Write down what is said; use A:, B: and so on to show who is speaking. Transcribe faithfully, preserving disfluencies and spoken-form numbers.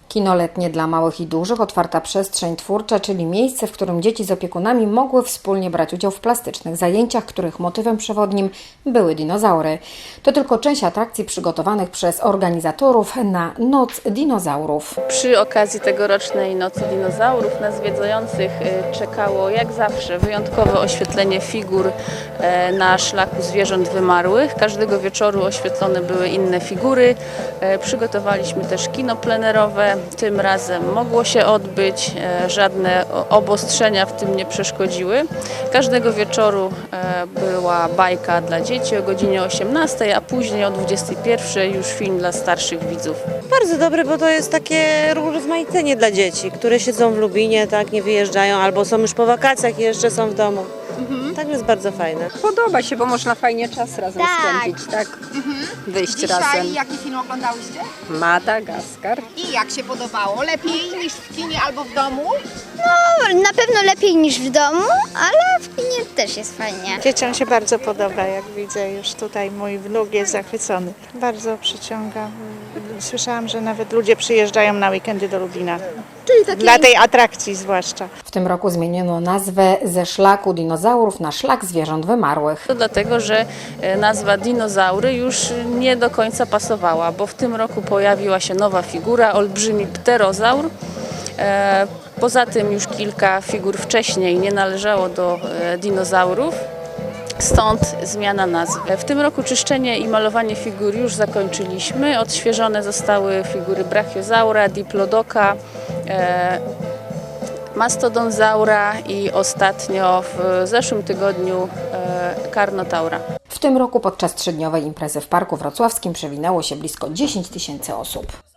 A: Kino letnie dla małych i dużych, otwarta przestrzeń twórcza, czyli miejsce, w którym dzieci z opiekunami mogły wspólnie brać udział w plastycznych zajęciach, których motywem przewodnim były dinozaury. To tylko część atrakcji przygotowanych przez organizatorów na Noc Dinozaurów.
B: Przy okazji tegorocznej Nocy Dinozaurów na zwiedzających czekało jak zawsze wyjątkowe oświetlenie figur na szlaku zwierząt wymarłych. Każdego wieczoru oświetlone były inne figury. Przygotowaliśmy też kino plenerowe. Tym razem mogło się odbyć, żadne obostrzenia w tym nie przeszkodziły. Każdego wieczoru była bajka dla dzieci o godzinie osiemnastej, a później o dwudziestej pierwszej już film dla starszych widzów.
C: Bardzo dobre, bo to jest takie rozmaicenie dla dzieci, które siedzą w Lubinie, tak, nie wyjeżdżają, albo są już po wakacjach i jeszcze są w domu. Mhm. Tak jest bardzo fajne.
D: Podoba się, bo można fajnie czas razem
E: Tak.
D: spędzić, tak?
E: Mhm.
D: Wyjść
E: Dzisiaj
D: razem.
E: jaki film oglądałyście?
D: Madagaskar.
E: I jak się podobało? Lepiej niż w kinie albo w domu?
F: No, na pewno lepiej niż w domu, ale w kinie też jest fajnie.
G: Dzieciom się bardzo podoba, jak widzę już tutaj mój wnuk jest zachwycony. Bardzo przyciąga. Słyszałam, że nawet ludzie przyjeżdżają na weekendy do Lubina.
E: Czyli takie...
G: Dla tej atrakcji zwłaszcza.
A: W tym roku zmieniono nazwę ze szlaku dinozaurów na szlak zwierząt wymarłych.
B: To dlatego, że nazwa dinozaury już nie do końca pasowała, bo w tym roku pojawiła się nowa figura, olbrzymi pterozaur. Poza tym już kilka figur wcześniej nie należało do dinozaurów. Stąd zmiana nazwy. W tym roku czyszczenie i malowanie figur już zakończyliśmy. Odświeżone zostały figury brachiozaura, diplodoka, e, mastodonzaura i ostatnio w zeszłym tygodniu e, karnotaura.
A: W tym roku podczas trzydniowej imprezy w Parku Wrocławskim przewinęło się blisko dziesięć tysięcy osób.